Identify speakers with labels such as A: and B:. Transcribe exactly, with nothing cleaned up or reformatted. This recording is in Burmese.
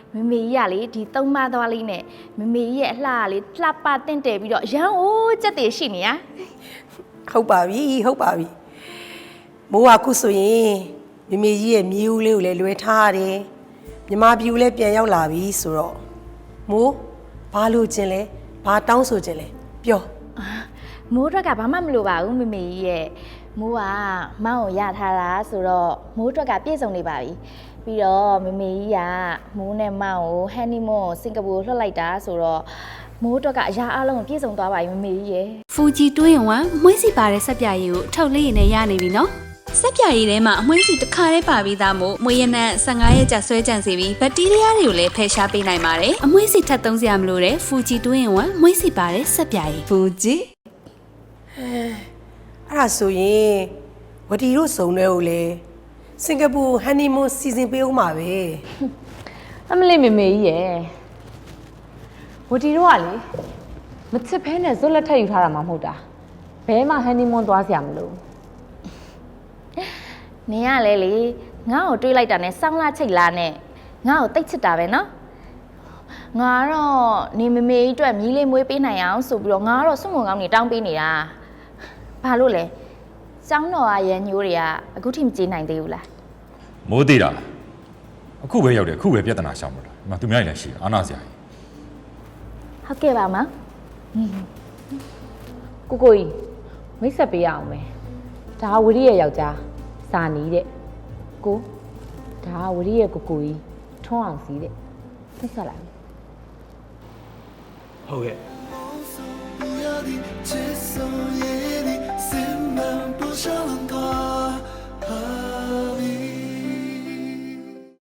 A: မေမေကြီးကလေဒီသုံးမသွားလေးနဲ့မေမေကြီးရဲ့အလှကလေလှပတင့်တယ်ပြီးတော့ရန်အိုးကြက်တည်ရှိနေရ
B: ဟုတ်ပါပြီဟုတ်ပါပြီမိုးကခုဆိုရင်မေမေကြီးရဲ့မြေဦးလေးကိုလည်းလွယ်ထားရတယ်မြမပြူလည်းပြန်ရောက်လာပြီဆိုတော့မိုးဘာလို့ခြင်းလဲဘာတောင်းဆိုခြင်းလဲပြော
A: မိုးအတွက်ကဘာမှမလိုပါဘူးမေမေကြီးရဲ့မိုးကမောင်းကိုရထားတာဆိုတော့မိုးအတွက်ကပြည့်စုံနေပါပြီပြီးတော့မေမေကြီးကမိုးနဲ့မောင်းကိုဟန်နီမွန်းကိုစင်ကာပူလွှတ်လိုက်တာဆိုတော့မိုးအတွက်ကအရာအလုံးပြည့်စုံသွားပါပြီမေမေကြီးရဲ့
C: ဖူဂျီတွင်းဝမ်မွှေးစီပါတဲ့ဆက်ပြရည်ကိုအထုပ်လေးရည်နဲ့ရနေပြီနော်ဆက်ပြရည်ထဲမှာအမွှေးစီတစ်ခါတည်းပါပြီးသားမို့မွေးရနံဆယ်ငါးရက်ကြာဆွဲကြံစီပြီးဘက်တီးရီးယားတွေကိုလည်းဖယ်ရှားပေးနိုင်ပါတယ်အမွှေးစီထပ်သုံးစရာမလိုတဲ့ဖူဂျီတွင်းဝမ်မွှေးစီပါတဲ့ဆက်ပြရည်
D: ဖူဂျီ
B: အဲ့ဒါဆိုရင်ဝတီတို့စုံတဲ့ကိုလေစင်ကာပူဟန်နီမွန်းစီစဉ်ပေးဦးမှာပဲ
D: အမလေးမေမေကြီးရဲ့ဝတီတို့ကလေမချစ်ဖဲနဲ့ဇွတ်လက်ထက်ယူထားတာမှမဟုတ်တာဘဲမှာဟန်နီမွန်းသွားစရာမလို
A: နင်ကလေလေငါ့ကိုတွေးလိုက်တာနဲ့စောင်းလာချိတ်လာနဲ့ငါ့ကိုတိတ်ချစ်တာပဲနော်ငါတော့နေမမေကြီးအတွက်မြီးလေးမွေးပေးနိုင်အောင်ဆိုပြီးတော့ငါတော့စွန့်မုံကောင်းနေတောင်းပေးနေတာဘာလို့လဲကျောင်းတော်ကရန်ညိုးတွေကအခုထိမကြေးနိုင်သေးဘူးလား
E: မိုးသေးတာအခုပဲရောက်တယ်အခုပဲပြဿနာရှောင်လို့လားဒီမှာသူများလည်းရှိအာနာစရာ
A: ကြီးဟုတ်ကဲ့ပါမ
D: ကိုကိုကြီးမိတ်ဆက်ပေးရအောင်မယ်ဒါဝရီရဲ့ယောက်ျားစာနီးတဲ့ကိုဒါဝရီရဲ့ကိုကိုကြီးထွန်းအောင်စီးတဲ့မိတ်ဆက်လိုက်
E: ဟုတ်ကဲ့